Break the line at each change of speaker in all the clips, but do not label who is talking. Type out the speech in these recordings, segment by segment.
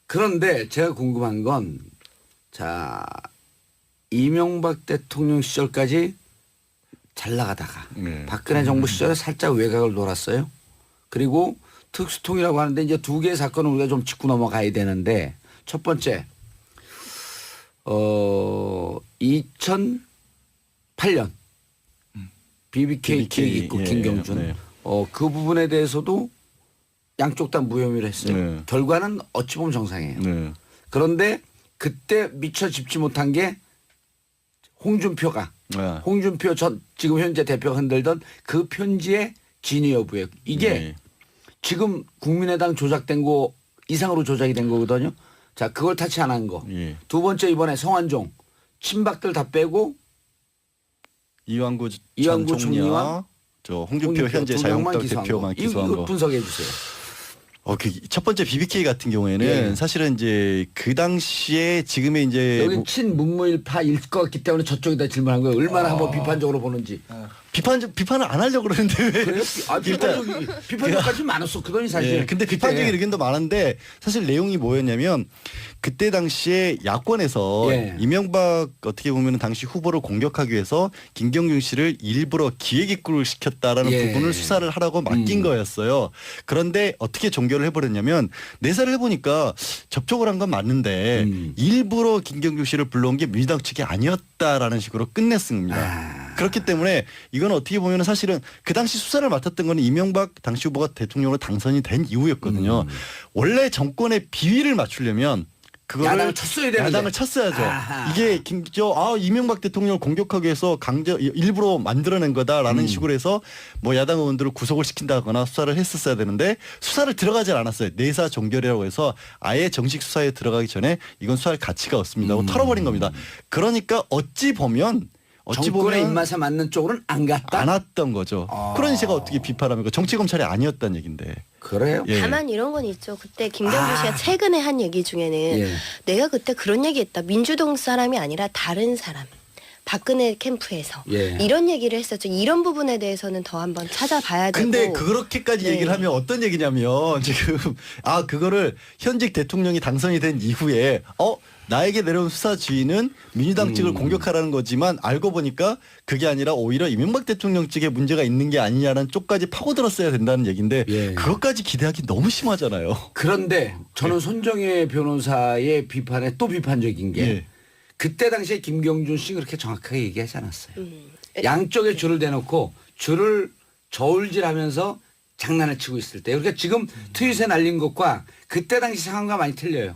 그런데 제가 궁금한 건 자 이명박 대통령 시절까지 잘 나가다가 박근혜 정부 시절에 살짝 외곽을 놀았어요. 그리고 특수통이라고 하는데 이제 두 개의 사건을 우리가 좀 짚고 넘어가야 되는데 첫 번째 2008년 BBK 기획입국 김경준
네.
그 부분에 대해서도 양쪽 다 무혐의를 했어요.
네.
결과는 어찌 보면 정상이에요.
네.
그런데 그때 미처 짚지 못한 게 홍준표가 홍준표 전 지금 현재 대표가 흔들던 그 편지의 진위 여부예요. 이게
네.
지금 국민의당 조작된 거 이상으로 조작이 된 거거든요. 자, 그걸 타치 안 한 거.
예.
두 번째 이번에 성완종 친박들 다 빼고
이완구
이완구
전 총리와
총리와
저 홍준표 현재
두 명만
자유한국당
기소한
대표만
거.
기소한
이거
거.
분석해 주세요.
첫 번째 BBK 같은 경우에는
예.
사실은 이제 그 당시에 지금의 이제
여기 친문무일파일 것 같기 때문에 저쪽에다 질문한 거예요. 얼마나 한번 비판적으로 보는지.
비판을 안 하려고 그러는데 왜?
그래요? 아, 비판적까지 많았었거든요, 사실.
예, 근데 비판적인
그때.
의견도 많은데 사실 내용이 뭐였냐면 그때 당시에 야권에서
예.
이명박 어떻게 보면 당시 후보를 공격하기 위해서 김경준 씨를 일부러 기획입국을 시켰다라는
예.
부분을 수사를 하라고 맡긴 거였어요. 그런데 어떻게 종결을 해버렸냐면 내사를 해보니까 접촉을 한 건 맞는데 일부러 김경준 씨를 불러온 게 민주당 측이 아니었다라는 식으로 끝냈습니다. 그렇기 때문에 이건 어떻게 보면 사실은 그 당시 수사를 맡았던 건 이명박 당시 후보가 대통령으로 당선이 된 이후였거든요. 원래 정권의 비위를 맞추려면 그거를
야당을 쳤어야 되는데.
야당을 쳤어야죠.
아하.
이게 이명박 대통령을 공격하기 위해서 일부러 만들어낸 거다라는 식으로 해서 뭐 야당 의원들을 구속을 시킨다거나 수사를 했었어야 되는데 수사를 들어가지 않았어요. 내사 종결이라고 해서 아예 정식 수사에 들어가기 전에 이건 수사할 가치가 없습니다 하고 털어버린 겁니다. 그러니까 어찌 보면
정권의 입맛에 맞는 쪽으로는 안 갔다.
안 왔던 거죠. 그러니 제가 어떻게 비판합니까? 정치 검찰이 아니었다는 얘긴데.
그래요?
예.
다만 이런 건 있죠. 그때 김경준 씨가 최근에 한 얘기 중에는
예.
내가 그때 그런 얘기했다. 민주당 사람이 아니라 다른 사람. 박근혜 캠프에서
예.
이런 얘기를 했었죠. 이런 부분에 대해서는 더 한번 찾아봐야 되고.
근데 그렇게까지
네.
얘기를 하면 어떤 얘기냐면 지금 그거를 현직 대통령이 당선이 된 이후에 나에게 내려온 수사 지휘는 민주당 측을 공격하라는 거지만 알고 보니까 그게 아니라 오히려 이명박 대통령 측에 문제가 있는 게 아니냐는 쪽까지 파고들었어야 된다는 얘기인데
예.
그것까지 기대하기 너무 심하잖아요.
그런데 저는 손정혜 변호사의 비판에 또 비판적인 게
예.
그때 당시에 김경준 씨 그렇게 정확하게 얘기하지 않았어요. 양쪽에 줄을 대놓고 줄을 저울질하면서 장난을 치고 있을 때. 그러니까 지금 트윗에 날린 것과 그때 당시 상황과 많이 틀려요.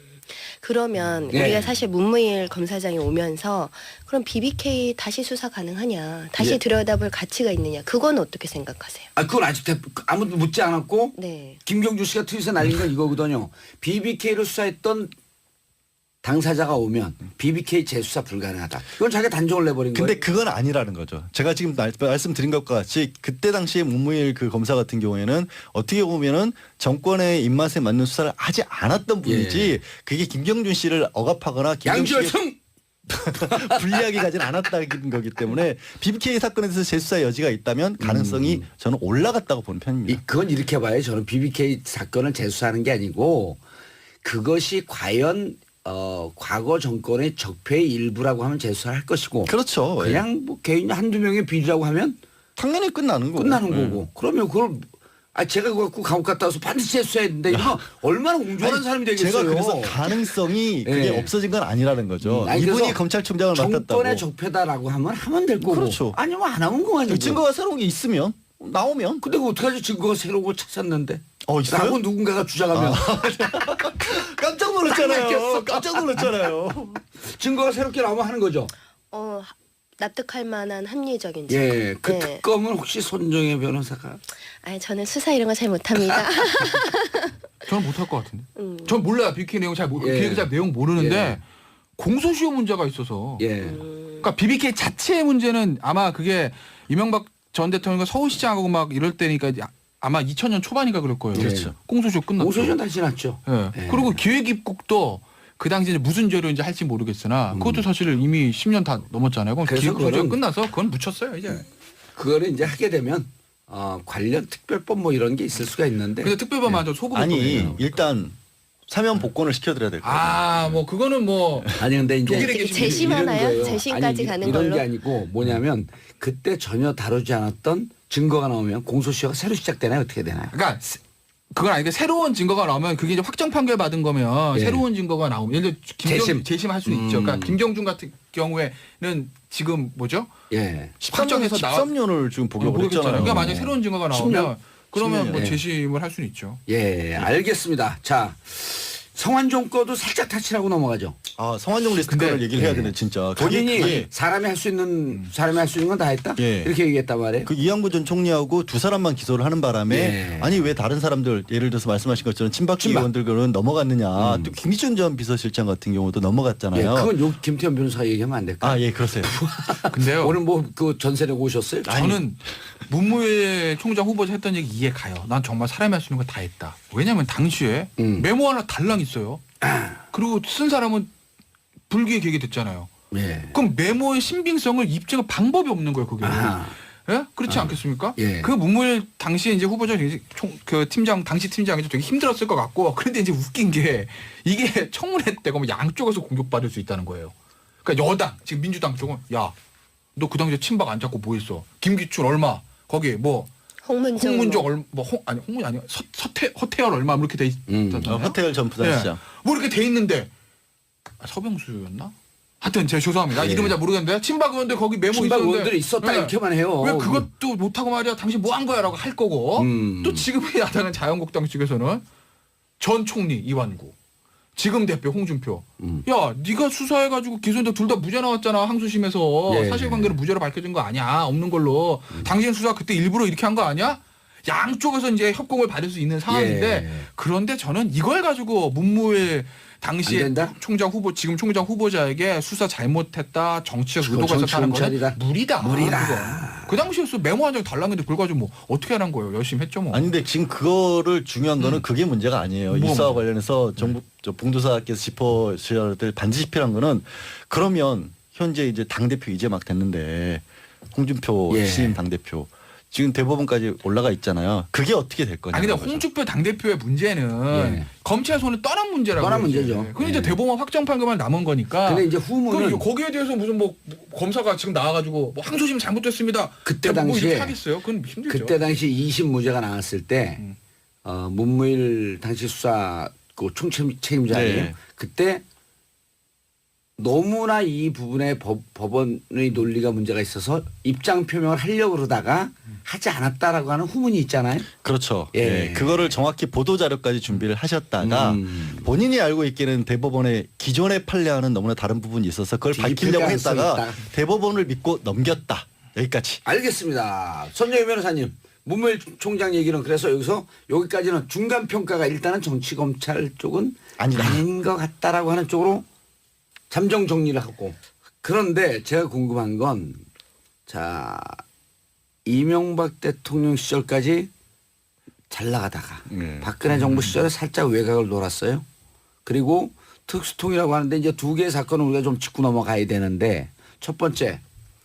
그러면
예.
우리가 사실 문무일 검사장이 오면서 그럼 BBK 다시 수사 가능하냐, 다시
예.
들여다볼 가치가 있느냐, 그건 어떻게 생각하세요?
그건 아직 아무도 묻지 않았고
네.
김경준 씨가 트윗에 날린 건 이거거든요. BBK를 수사했던 당사자가 오면 BBK 재수사 불가능하다. 이건 자기가 단정을 내버린 거예요.
근데 그건 아니라는 거죠. 제가 지금 말씀드린 것과 같이 그때 당시에 문무일 그 검사 같은 경우에는 어떻게 보면은 정권의 입맛에 맞는 수사를 하지 않았던 분이지 그게 김경준 씨를 억압하거나 김경준 씨를
양지열성
불리하게 가진 않았다는 거기 때문에 BBK 사건에 대해서 재수사의 여지가 있다면 가능성이 저는 올라갔다고 보는 편입니다.
그건 이렇게 봐요. 저는 BBK 사건을 재수사하는 게 아니고 그것이 과연 과거 정권의 적폐의 일부라고 하면 재수사를 할 것이고
그렇죠.
그냥 뭐 개인 한두 명의 비리라고 하면
당연히 끝나는 거고.
끝나는 거고 그러면 그걸 제가 그거 갖고 감옥 갔다 와서 반드시 재수해야 된다. 이러면 얼마나 옹졸한 사람이 되겠어요.
제가 그래서 가능성이 그게
예.
없어진 건 아니라는 거죠.
아니,
이분이
그래서
검찰총장을 맡았다고.
정권의 적폐다라고 하면 될 거고
그렇죠.
아니면 안 하면 그거 아니고.
증거가 새로운 게 있으면 나오면.
근데 그거 어떡하지? 증거가 새로운 걸 찾았는데.
있어요?
라고 누군가가 주장하면
깜짝 놀랐잖아요. 깜짝 놀랐잖아요.
증거가 새롭게 나오면 하는 거죠.
납득할 만한 합리적인 증거.
예, 그
네.
특검은 혹시 손정혜 변호사가
아니 저는 수사 이런 거 잘 못합니다.
저는 못할 것 같은데. 전 몰라요. BBK 내용
예.
기획자 내용 모르는데
예.
공소시효 문제가 있어서.
예.
그러니까 BBK 자체의 문제는 아마 그게 이명박 전 대통령과 서울시장하고 막 이럴 때니까 아마 2000년 초반인가 그럴 거예요.
그렇죠.
공소시효 끝났죠.
공소시효 다 지났죠.
예.
예.
그리고 기획 입국도 그 당시에 이제 무슨 죄로인지 할지 모르겠으나 그것도 사실 이미 10년 다 넘었잖아요. 그럼
그래서
기획 공소시효
그거는-
끝나서 그건 묻혔어요 이제.
그거를 이제 하게 되면 관련 특별법 뭐 이런 게 있을 수가 있는데.
근데 특별법만 좀 소급을
아니
좀 해요.
일단 사면 복권을 시켜드려야 될 거예요.
아, 뭐 그거는 뭐
아니 근데 이제
독일에
어떻게
계신 분이
재심하나요?
이런 거예요.
재심까지
아니,
가는
이런
걸로?
게 아니고 뭐냐면 그때 전혀 다루지 않았던 증거가 나오면 공소시효가 새로 시작되나요? 어떻게 되나요?
그러니까 그건 아니고 새로운 증거가 나오면 그게 이제 확정 판결 받은 거면
예.
새로운 증거가 나오면 예를 들어 재심할 수는 있죠. 그러니까 김경준 같은 경우에는 지금 뭐죠?
예.
13년을 지금 복역을 했잖아요.
그러니까 만약 에 새로운 증거가 나오면
10년?
그러면
10년,
뭐
예.
재심을 할 수는 있죠.
예, 알겠습니다. 자, 성완종 거도 살짝 타치라고 넘어가죠.
아, 성완종 리스트
근데-
거를 얘기를 해야
예.
되네 진짜.
본인이 사람이 할 수 있는 건 다 했다.
예.
이렇게 얘기했단 말이에요.
그 이양구 전 총리하고 두 사람만 기소를 하는 바람에
예.
아니 왜 다른 사람들 예를 들어서 말씀하신 것처럼 친박계
친박.
의원들은 넘어갔느냐. 또 김기춘 전 비서실장 같은 경우도
예,
넘어갔잖아요.
그건 요 김태현 변호사 얘기하면 안 될까?
아, 예, 그러세요.
근데요.
오늘 뭐 그 전세 내고 오셨어요?
저는 문무일 총장 후보자 했던 얘기 이해 가요. 난 정말 사람이 할 수 있는 거 다 했다. 왜냐하면 당시에 메모 하나 달랑 있어요. 그리고 쓴 사람은 불기에 계게 됐잖아요.
예.
그럼 메모의 신빙성을 입증할 방법이 없는 거예요, 그게.
아하.
예? 그렇지 않겠습니까?
예.
그 문무일 당시에 이제 후보자 그 팀장 당시 팀장이 되게 힘들었을 것 같고 그런데 이제 웃긴 게 이게 청문회 때가 뭐 양쪽에서 공격받을 수 있다는 거예요. 그러니까 여당 지금 민주당 쪽은 야 너 그 당시에 친박 안 잡고 뭐 했어? 김기춘 얼마? 거기 뭐
홍문종.
홍문종 얼마 홍문이 아니야 허태열 얼마 뭐 이렇게 돼 있잖아요.
허태열 전 부산시장.
뭐 이렇게 돼 있는데 서병수였나? 하여튼 제가 죄송합니다.
예.
이름은 잘 모르겠는데 친박 의원들 거기 메모
친박
있었는데
의원들이 있었다
예.
이렇게만 해요.
왜 그것도 못하고 말이야 당신 뭐 한 거야라고 할 거고 또 지금의 야당은 자유한국당 측에서는 전 총리 이완구 지금 대표 홍준표 야 네가 수사해가지고 기소인데 둘 다 무죄 나왔잖아 항소심에서
예.
사실관계로 무죄로 밝혀진 거 아니야 없는 걸로 당신 수사 그때 일부러 이렇게 한 거 아니야? 양쪽에서 이제 협공을 받을 수 있는 상황인데
예.
그런데 저는 이걸 가지고 문무일 당시에
안 된다?
총장 후보 지금 총장 후보자에게 수사 잘못했다 정치적
그거
의도가
정치
있었다는 거는
검찰이다.
무리다.
무리다.
그건. 그 당시에서 메모 한 장 달랐는데 그걸 가지고 뭐 어떻게 하는 거예요? 열심히 했죠 뭐.
아니 근데 지금 그거를 중요한 거는 그게 문제가 아니에요.
뭐,
이 수사와
뭐.
관련해서 정부 저 봉도사께서 짚어주셔야 될 반드시 필요한 거는 그러면 현재 이제 당 대표 이제 막 됐는데 홍준표
예.
신임 당 대표 지금 대법원까지 올라가 있잖아요. 그게 어떻게 될 거냐.
아니 근데 홍준표 당대표의 문제는
예.
검찰 손을 떠난 문제라고.
떠난
그러지.
문제죠.
근데 이제
예.
대법원 확정 판결만 남은 거니까.
근데 이제
그럼
후문은
거기에 대해서 무슨 뭐 검사가 지금 나와가지고 뭐 항소심 잘못됐습니다.
그때
뭐
당시에
이렇게 하겠어요? 그건 힘들죠.
그때 당시 2심 무죄가 나왔을 때 문무일 당시 수사 그 총책임자예요.
네.
그때 너무나 이 부분에 법원의 논리가 문제가 있어서 입장 표명을 하려고 그러다가 하지 않았다라고 하는 후문이 있잖아요.
그렇죠.
예.
예. 그거를 정확히 보도 자료까지 준비를 하셨다가 본인이 알고 있기는 대법원에 기존의 판례와는 너무나 다른 부분이 있어서 그걸
뒤집힐
밝히려고
가능성이
했다가
있다.
대법원을 믿고 넘겼다. 여기까지.
알겠습니다. 손정희 변호사님. 문무일 총장 얘기는 그래서 여기까지는 중간 평가가 일단은 정치 검찰 쪽은
아니다.
아닌 것 같다라고 하는 쪽으로 잠정 정리를 하고 그런데 제가 궁금한 건 자 이명박 대통령 시절까지 잘 나가다가 박근혜 정부 시절에 살짝 외곽을 놀았어요. 그리고 특수통이라고 하는데 이제 두 개의 사건을 우리가 좀 짚고 넘어가야 되는데 첫 번째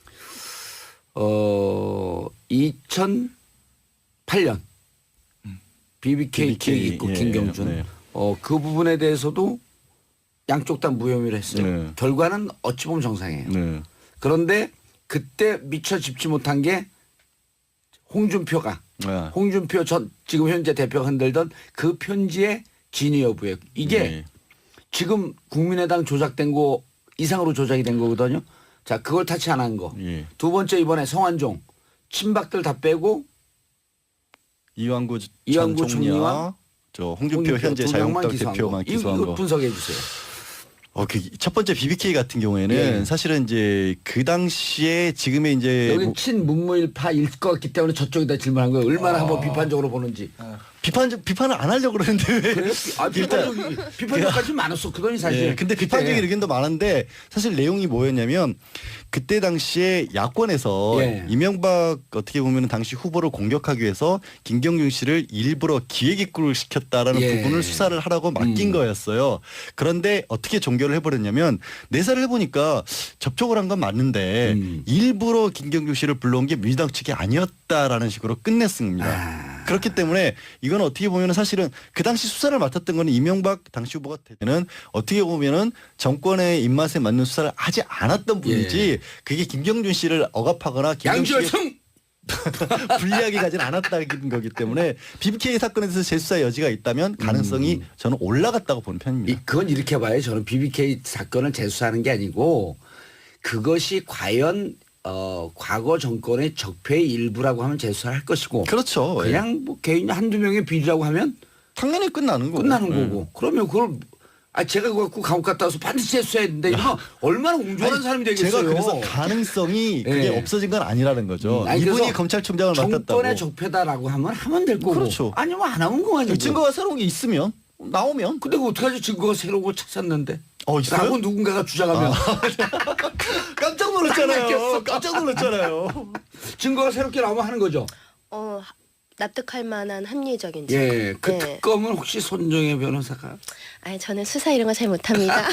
2008년 BBK 기획 있고
예,
김경준
네.
그 부분에 대해서도 양쪽 다 무혐의를 했어요.
네.
결과는 어찌 보면 정상이에요.
네.
그런데 그때 미처 짚지 못한 게 홍준표 전 지금 현재 대표가 흔들던 그 편지의 진위 여부예요. 이게
네.
지금 국민의당 조작된 거 이상으로 조작이 된 거거든요. 자, 그걸 타치 안 한 거.
예.
두 번째 이번에 성완종 친박들 다 빼고
이완구
이완구
전 총리와
총리와
저 홍준표 현재
두 명만
자유한국당
기소한
대표만
거.
기소한
이거
거.
분석해 주세요.
첫 번째 BBK 같은 경우에는
예.
사실은 이제 그 당시에 지금의 이제
여기 친문무일파일 것 같기 때문에 저쪽에다 질문한 거예요. 얼마나 한번 비판적으로 보는지.
비판을 안 하려고 그러는데 왜
그래요? 비판적까지 많았었거든요, 사실.
예, 근데 비판적인 의견도 많은데 사실 내용이 뭐였냐면 그때 당시에 야권에서
예.
이명박 어떻게 보면 당시 후보를 공격하기 위해서 김경준 씨를 일부러 기획입구를 시켰다라는
예.
부분을 수사를 하라고 맡긴 거였어요. 그런데 어떻게 종결을 해버렸냐면 내사를 해보니까 접촉을 한 건 맞는데 일부러 김경준 씨를 불러온 게 민주당 측이 아니었다라는 식으로 끝냈습니다. 그렇기 때문에 이건 어떻게 보면은 사실은 그 당시 수사를 맡았던 거는 이명박 당시 후보가 되는 어떻게 보면은 정권의 입맛에 맞는 수사를 하지 않았던 분이지 그게 김경준 씨를 억압하거나 김경준 씨의
양지열성
불리하게 가진 않았다는 거기 때문에 BBK 사건에 대해서 재수사 여지가 있다면 가능성이 저는 올라갔다고 보는 편입니다.
그건 이렇게 봐요. 저는 BBK 사건을 재수사하는 게 아니고 그것이 과연 과거 정권의 적폐의 일부라고 하면 재수사를 할 것이고
그렇죠.
그냥 뭐 개인 한두 명의 비리라고 하면
당연히 끝나는 거고.
끝나는 거고 그러면 그걸 제가 그거 갖고 감옥 갔다 와서 반드시 재수해야 된다. 이거 얼마나 옹졸한
아니,
사람이 되겠어요.
제가 그래서 가능성이 그게
예.
없어진 건 아니라는 거죠.
아니,
이분이
그래서
검찰총장을 맡았다고.
정권의 적폐다라고 하면 될 거고
그렇죠.
아니면 안 하면 그만이고.
증거가 새로운 게 있으면 나오면
근데 그 어떡하지 증거가 새로운 걸 찾았는데
있어요?
라고 누군가가 주장하면
깜짝
딱
놀랐잖아요.
낚였어.
깜짝 놀랐잖아요.
증거가 새롭게 나오면 하는 거죠.
납득할 만한 합리적인 증거.
예, 그
네.
특검은 혹시 손정혜 변호사가
아니 저는 수사 이런 거 잘 못합니다.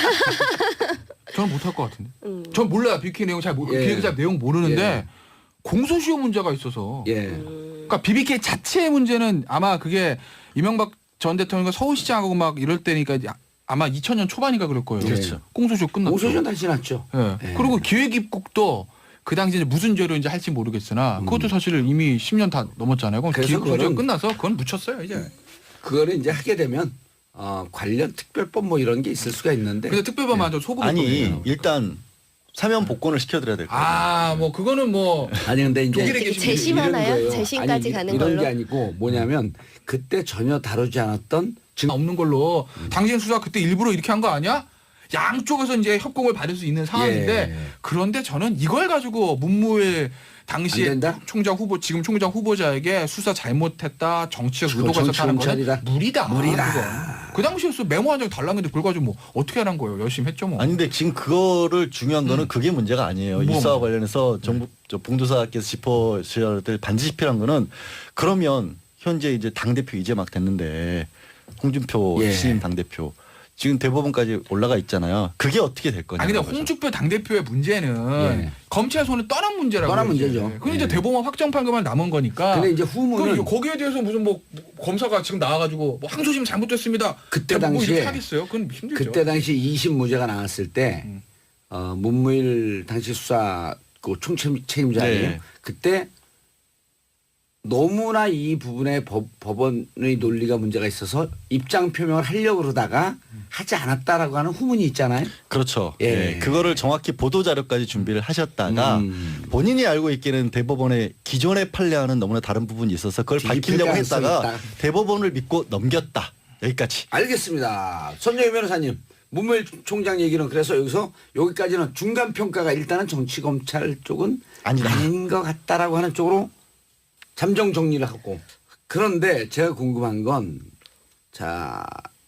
저는 못할 것 같은데. 전 몰라요. BBK 내용
예.
BBK 내용 모르는데
예.
공소시효 문제가 있어서.
예.
그러니까 BBK 자체의 문제는 아마 그게 이명박 전 대통령과 서울시장하고 막 이럴 때니까 이제 아마 2000년 초반인가 그럴 거예요.
그렇죠.
공소시효 끝났죠.
공소시효 다시 났죠.
예.
예.
그리고 기획입국도 그 당시 이제 무슨 죄로 이제 할지 모르겠으나 그것도 사실 이미 10년 다 넘었잖아요. 그럼
그래서
기획공소시효
그거는-
끝나서 그건 묻혔어요 이제.
그거를 이제 하게 되면 관련 특별법 뭐 이런 게 있을 수가 있는데
근데 특별법만 좀 소급.
아니 일단 사면 복권을 시켜드려야 될 거예요.
뭐 그거는 뭐
아니 근데 이제
독일에
되게
계신
재심하나요?
이런 거예요.
재심까지
아니,
가는
이런
걸로?
게 아니고 뭐냐면 그때 전혀 다루지 않았던
없는 걸로 당신 수사 그때 일부러 이렇게 한 거 아니야? 양쪽에서 이제 협공을 받을 수 있는 상황인데
예.
그런데 저는 이걸 가지고 문무일 당시에
안 된다?
총장 후보 지금 총장 후보자에게 수사 잘못했다 정치적
그거
의도가 있었다는 거는
정치검찰이다.
무리다.
무리다.
그건. 그 당시에서 메모 한 장 달라는데 그걸 가지고 뭐 어떻게 하는 거예요? 열심히 했죠 뭐.
아니 근데 지금 그거를 중요한 거는 그게 문제가 아니에요.
뭐,
이 수사와
뭐.
관련해서 정부 봉도사께서 짚어주셔야 될 반드시 필요한 거는 그러면 현재 이제 당 대표 이제 막 됐는데 홍준표
예.
신임 당 대표 지금 대법원까지 올라가 있잖아요. 그게 어떻게 될 거냐?
아니 근데 홍준표 당대표의 문제는
예.
검찰 손을 떠난 문제라고.
떠난
그러지.
문제죠.
근데 이제
예.
대법원 확정 판결만 남은 거니까.
근데 이제
그
후문은
거기에 대해서 무슨 뭐 검사가 지금 나와가지고 뭐 항소심 잘못됐습니다.
그때
뭐
당시에
이렇게 하겠어요? 그건 힘들죠.
그때 당시 2심 무죄가 나왔을 때 문무일 당시 수사 그 총책임자 아니에요.
네.
그때 너무나 이 부분에 법원의 논리가 문제가 있어서 입장 표명을 하려고 그러다가 하지 않았다라고 하는 후문이 있잖아요.
그렇죠.
예.
예. 그거를 정확히 보도 자료까지 준비를 하셨다가 본인이 알고 있기는 대법원의 기존의 판례와는 너무나 다른 부분이 있어서 그걸
뒤집힐
밝히려고
가능성이
했다가
있다.
대법원을 믿고 넘겼다. 여기까지.
알겠습니다. 손정희 변호사님. 문무일 총장 얘기는 그래서 여기까지는 중간 평가가 일단은 정치 검찰 쪽은
아니다.
아닌 것 같다라고 하는 쪽으로 잠정 정리를 하고 그런데 제가 궁금한 건 자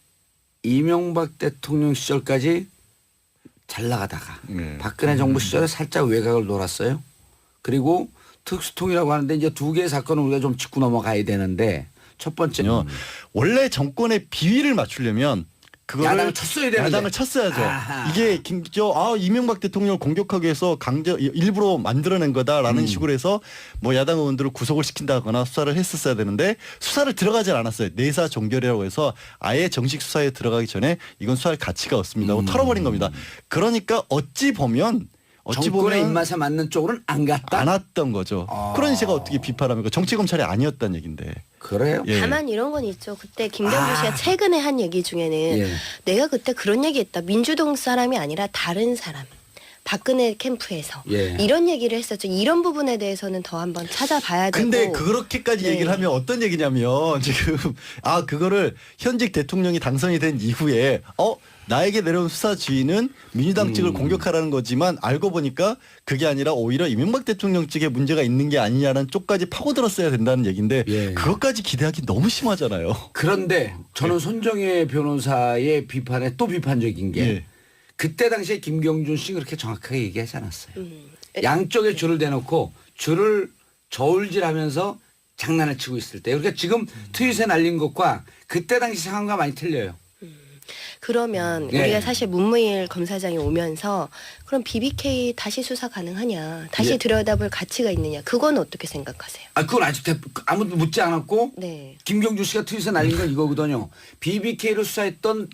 이명박 대통령 시절까지 잘 나가다가 박근혜 정부 시절에 살짝 외곽을 놀았어요. 그리고 특수통이라고 하는데 이제 두 개의 사건을 우리가 좀 짚고 넘어가야 되는데 첫 번째는
원래 정권의 비위를 맞추려면 그거를
야당을 쳤어야 되는데.
야당을 쳤어야죠.
아하.
이게 이명박 대통령을 공격하기 위해서 일부러 만들어낸 거다라는 식으로 해서 뭐 야당 의원들을 구속을 시킨다거나 수사를 했었어야 되는데 수사를 들어가질 않았어요. 내사 종결이라고 해서 아예 정식 수사에 들어가기 전에 이건 수사할 가치가 없습니다 하고 털어버린 겁니다. 그러니까 어찌 보면
정권의 입맛에 맞는 쪽으로는 안 갔다.
안 왔던 거죠.
아.
그러니 제가 어떻게 비판합니까? 정치 검찰이 아니었다는 얘긴데.
그래요?
예.
다만 이런 건 있죠. 그때 김경주 씨가 최근에 한 얘기 중에는
예.
내가 그때 그런 얘기했다. 민주동 사람이 아니라 다른 사람. 박근혜 캠프에서
예.
이런 얘기를 했었죠. 이런 부분에 대해서는 더 한번 찾아봐야 되고.
근데 그렇게까지
네.
얘기를 하면 어떤 얘기냐면 지금 그거를 현직 대통령이 당선이 된 이후에 나에게 내려온 수사 지휘는 민주당 측을 공격하라는 거지만 알고 보니까 그게 아니라 오히려 이명박 대통령 측에 문제가 있는 게 아니냐는 쪽까지 파고들었어야 된다는 얘기인데
예.
그것까지 기대하기 너무 심하잖아요.
그런데 저는 손정혜 변호사의 비판에 또 비판적인 게
예.
그때 당시에 김경준 씨 그렇게 정확하게 얘기하지 않았어요. 양쪽에 줄을 대놓고 줄을 저울질하면서 장난을 치고 있을 때. 그러니까 지금 트윗에 날린 것과 그때 당시 상황과 많이 틀려요.
그러면
네.
우리가 사실 문무일 검사장이 오면서 그럼 BBK 다시 수사 가능하냐? 다시
예.
들여다볼 가치가 있느냐? 그건 어떻게 생각하세요?
아, 그건 아직 아무도 묻지 않았고
네.
김경주 씨가 트윗에 날린 건 이거거든요. BBK를 수사했던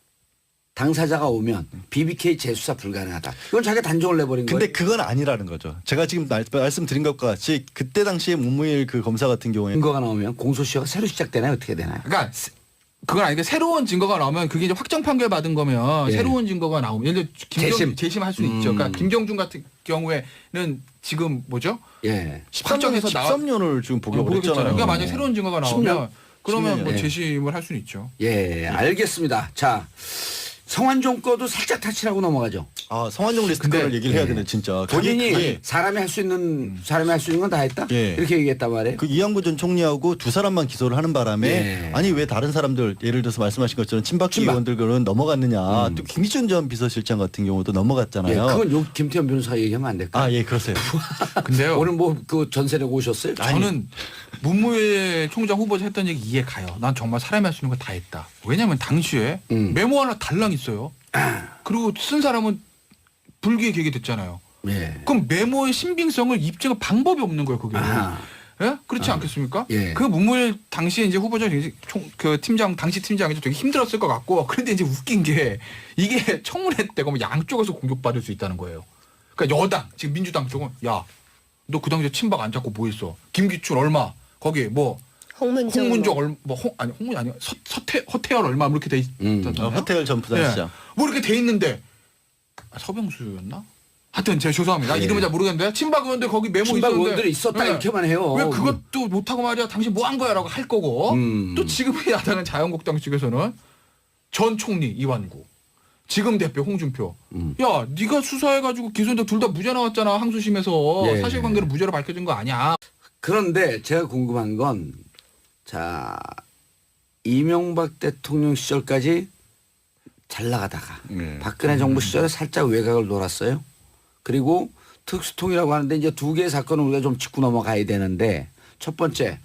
당사자가 오면 BBK 재수사 불가능하다. 이건 자기가 단정을 내버린
근데
거예요.
그건 아니라는 거죠. 제가 지금 말씀드린 것과 같이 그때 당시에 문무일 그 검사 같은 경우에
증거가 나오면 공소시효가 새로 시작되나요? 어떻게 되나요?
그러니까 그건 아니고 새로운 증거가 나오면 그게 이제 확정 판결 받은 거면
예.
새로운 증거가 나오면 예를 들어 재심할 수는 있죠. 그러니까 김경준 같은 경우에는 지금 뭐죠?
예.
확정해서
13년을 지금 복역을
모르겠잖아요.
했잖아요.
그러니까 만약 에 새로운 증거가
10년?
나오면 그러면
10년,
뭐
예.
재심을 할 수는 있죠.
예, 알겠습니다. 자, 성완종 거도 살짝 타치라고 넘어가죠.
아, 성완종 리스트
근데-
거를 얘기를 해야
예.
되네 진짜.
본인이
그게
사람이 할 수 있는 건 다 했다.
예.
이렇게 얘기했단 말이에요.
그 이양구 전 총리하고 두 사람만 기소를 하는 바람에
예.
아니 왜 다른 사람들 예를 들어서 말씀하신 것처럼 친박
친박.
의원들은 넘어갔느냐. 또 김기춘 전 비서실장 같은 경우도
예,
넘어갔잖아요.
그건 요 김태현 변호사 얘기하면 안 될까요?
아, 예, 그러세요.
근데요.
오늘 뭐 그 전세 내고 오셨어요?
저는 문무일 총장 후보자 했던 얘기 이해 가요. 난 정말 사람이 할 수 있는 거 다 했다. 왜냐하면 당시에 메모 하나 달랑 있어요. 그리고 쓴 사람은 불기에 계기됐잖아요.
예.
그럼 메모의 신빙성을 입증할 방법이 없는 거예요, 그게.
아하.
예? 그렇지 않겠습니까?
예.
그 문무일 당시에 이제 후보자 그 팀장 당시 팀장이 되게 힘들었을 것 같고 그런데 이제 웃긴 게 이게 청문회 때 그러면 양쪽에서 공격받을 수 있다는 거예요. 그러니까 여당 지금 민주당 쪽은 야 너 그 당시에 친박 안 잡고 뭐 했어? 김기춘 얼마? 거기 뭐 홍문종 얼마? 아니 홍문 아니야 허태열 얼마 뭐 이렇게 돼 있잖아요.
허태열 전 부산시장.
뭐 이렇게 돼 있는데 서병수였나? 하여튼 제가 죄송합니다. 이름은 잘 모르겠는데 친박 의원들 거기 메모
친박
있었는데
의원들이 있었다
예.
이렇게만 해요.
왜 그것도 못하고 말이야 당신 뭐 한 거야라고 할 거고 또 지금의 야당은 자유한국당 측에서는 전 총리 이완구 지금 대표 홍준표 야 네가 수사해가지고 기소인데 둘 다 무죄 나왔잖아 항소심에서
예.
사실관계로 무죄로 밝혀진 거 아니야.
그런데 제가 궁금한 건 자, 이명박 대통령 시절까지 잘 나가다가 박근혜 정부 시절에 살짝 외곽을 놀았어요. 그리고 특수통이라고 하는데 이제 두 개의 사건을 우리가 좀 짚고 넘어가야 되는데 첫 번째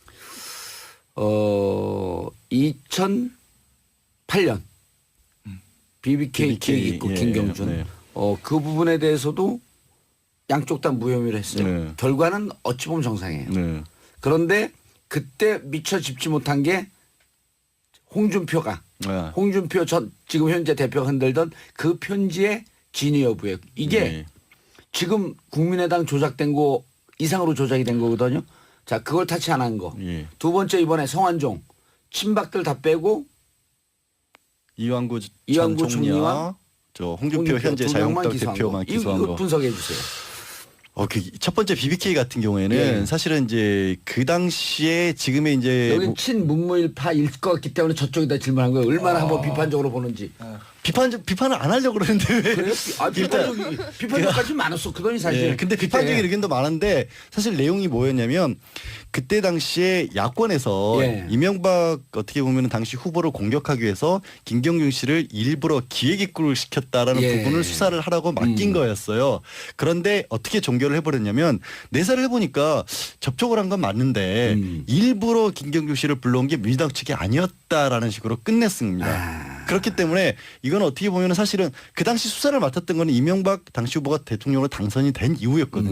2008년 BBK 기획 있고
예,
김경준
네.
그 부분에 대해서도 양쪽 다 무혐의를 했어요.
네.
결과는 어찌 보면 정상이에요.
네.
그런데 그때 미처 짚지 못한 게 홍준표가
네.
홍준표 전 지금 현재 대표가 흔들던 그 편지의 진위 여부예요. 이게
네.
지금 국민의당 조작된 거 이상으로 조작이 된 거거든요. 자, 그걸 타치 안 한 거.
예.
두 번째 이번에 성완종 친박들 다 빼고
이완구 전
이완구
총리와
총리와
저 홍준표 현재
두 명만
자유한국당 대표만 기소한
이거
거.
분석해 주세요.
그 첫 번째 BBK 같은 경우에는
예.
사실은 이제 그 당시에 지금의 이제
여기 친문무일파일 것 같기 때문에 저쪽에다 질문한 거예요. 얼마나 한번 비판적으로 보는지.
비판을 안 하려고 그러는데 왜?
그래요? 아, 비판적까지 많았었거든요, 사실.
예, 근데
그때.
비판적인 의견도 많은데 사실 내용이 뭐였냐면 그때 당시에 야권에서
예.
이명박 어떻게 보면 당시 후보를 공격하기 위해서 김경준 씨를 일부러 기획입구를 시켰다라는
예.
부분을 수사를 하라고 맡긴 거였어요. 그런데 어떻게 종결을 해버렸냐면 내사를 해보니까 접촉을 한 건 맞는데 일부러 김경준 씨를 불러온 게 민주당 측이 아니었다라는 식으로 끝냈습니다. 그렇기 때문에 이건 어떻게 보면 사실은 그 당시 수사를 맡았던 거는 이명박 당시 후보가 대통령으로 당선이 된 이후였거든요.